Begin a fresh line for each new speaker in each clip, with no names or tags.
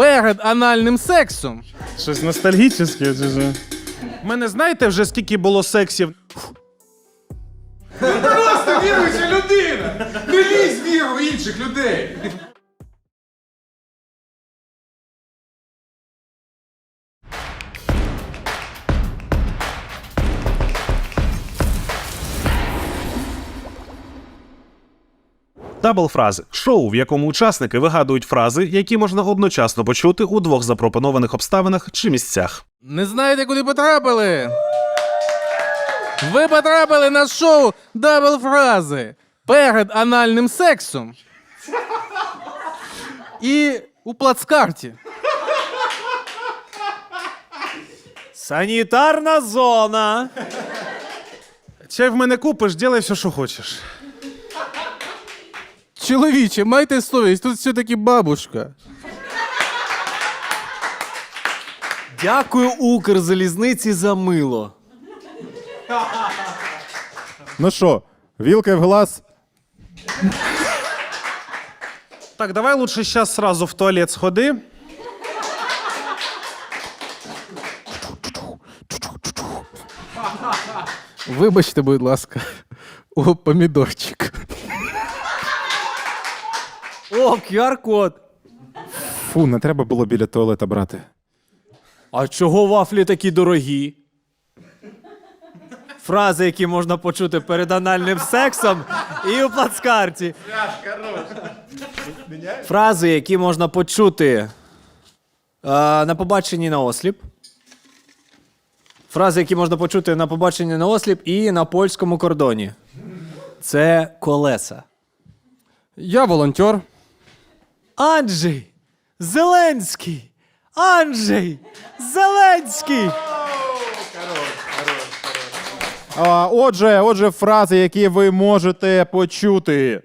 перед анальним сексом.
Щось ностальгічне чи що? У мене знаєте вже скільки було сексів?
Просто віруюча людина! Не лізь віру в інших людей!
Даблфрази – шоу, в якому учасники вигадують фрази, які можна одночасно почути у двох запропонованих обставинах чи місцях.
Не знаєте, куди потрапили? Ви потрапили на шоу «Дабл фрази» перед анальним сексом і у плацкарті.
Санітарна зона.
Чай в мене купиш, ділай все, що хочеш.
Чоловіче, майте совість, тут все-таки бабушка.
Дякую Укрзалізниці за мило.
Ну що, вілка в глаз?
Так, давай лучше зараз сразу в туалет сходи.
Вибачте, будь ласка. О, помідорчик.
О, QR-код.
Фу, не треба було біля туалета брати.
А чого вафлі такі дорогі? Фрази, які можна почути перед анальним сексом і у плацкарті. Фрази, які можна почути на побаченні на осліп. Фрази, які можна почути на побаченні на осліп і на польському кордоні. Це колеса.
Я волонтер.
Анджей Зеленський! Анджей Зеленський!
Отже, фрази, які ви можете почути.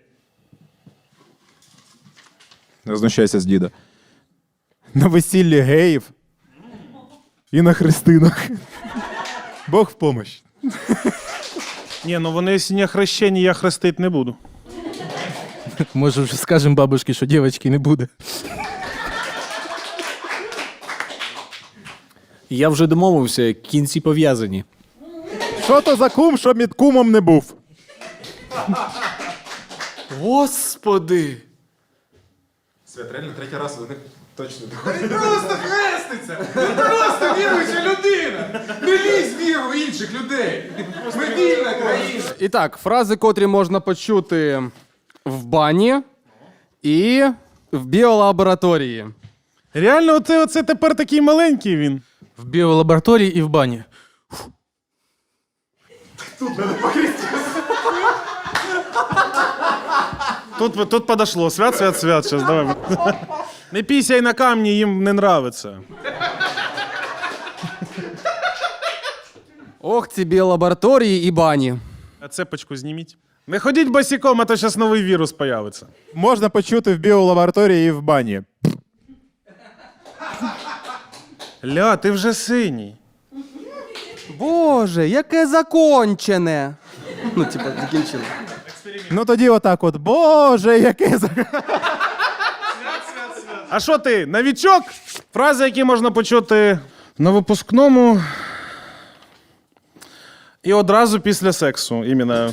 Не знущайся з діда. На весіллі геїв і на хрестинах. Бог в помощь.
Ні, ну вони, якщо не хрещені, я хрестити не буду.
Може, вже скажемо бабушці, що дівчинки не буде.
Я вже домовився, кінці пов'язані.
Що то за кум, що мід кумом не був?
Господи!
Свят, реально третій раз вони точно доходять. Просто хреститься! Просто віруюча людина! Не лізь віру в інших людей! Ми вільна країна!
І так, фрази, котрі можна почути в бані і в біолабораторії.
Реально, оце тепер такий маленький він.
В біолабораторії і в бані.
Тут подошло. Свят. Сейчас, давай. Не пісяй на камні, їм не нравиться.
Ох, ці біолабораторії і бані.
А цепочку зніміть. Не ходіть босиком, а то зараз новий вірус появиться.
Можна почути в біолабораторії і в бані.
Ля, ти вже синій.
Боже, яке закончене. Ну, типа, закінчили.
Ну тоді отак от. Боже, яке
А що ти, новічок? Фрази, які можна почути на випускному і одразу після сексу. Іменно.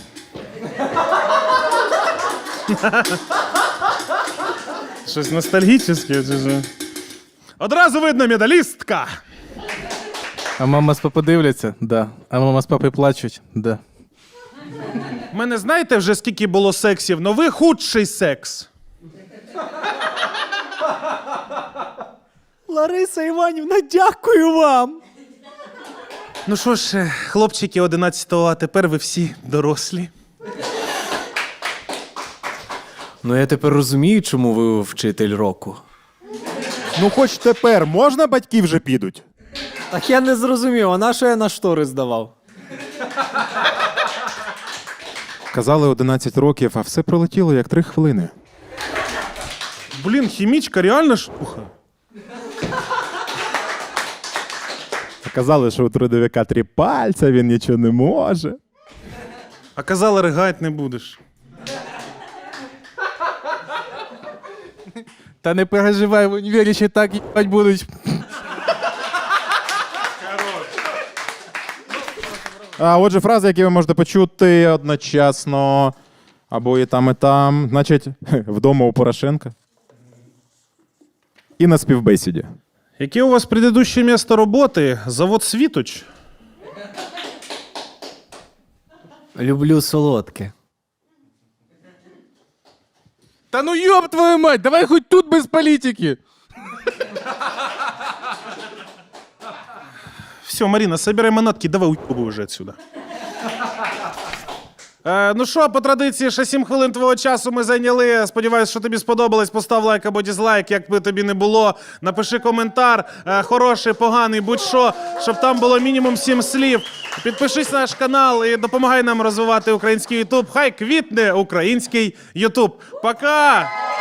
Щось ностальгічне чи що? Одразу видно медалістка.
А мама з папи дивляться? Да. А мама з папи плачуть? Да.
У мене знаєте вже скільки було сексів, но ви худший секс.
Лариса Іванівна, дякую вам!
Ну що ж, хлопчики 11-го, а тепер ви всі дорослі.
Ну я тепер розумію, чому ви вчитель року.
Ну хоч тепер можна, батьки вже підуть?
Так я не зрозумів, а на що я на штори здавав?
Казали 11 років, а все пролетіло як 3 хвилини.
Блін, хімічка реально штука.
Казали, що у трудовика 3 пальця, він нічого не може.
А казали, ригать не будеш.
Та не переживай, в універі ще так їбать будуть.
А отже, фрази, які ви можете почути одночасно, або і там, і там. Значить, вдома у Порошенка. І на співбесіді.
Яке у вас предыдущее місто роботи? Завод «Світоч»?
Люблю солодке.
Та ну йоб твою мать, давай хоч тут без політики.
Все, Марина, собирай манатки, давай уйобуй уже отсюда. Ну що, по традиції, ще 7 хвилин твого часу ми зайняли. Сподіваюсь, що тобі сподобалось. Постав лайк або дізлайк, як би тобі не було. Напиши коментар, хороший, поганий, будь-що, щоб там було мінімум 7 слів. Підпишись на наш канал і допомагай нам розвивати український Ютуб. Хай квітне український Ютуб. Пока!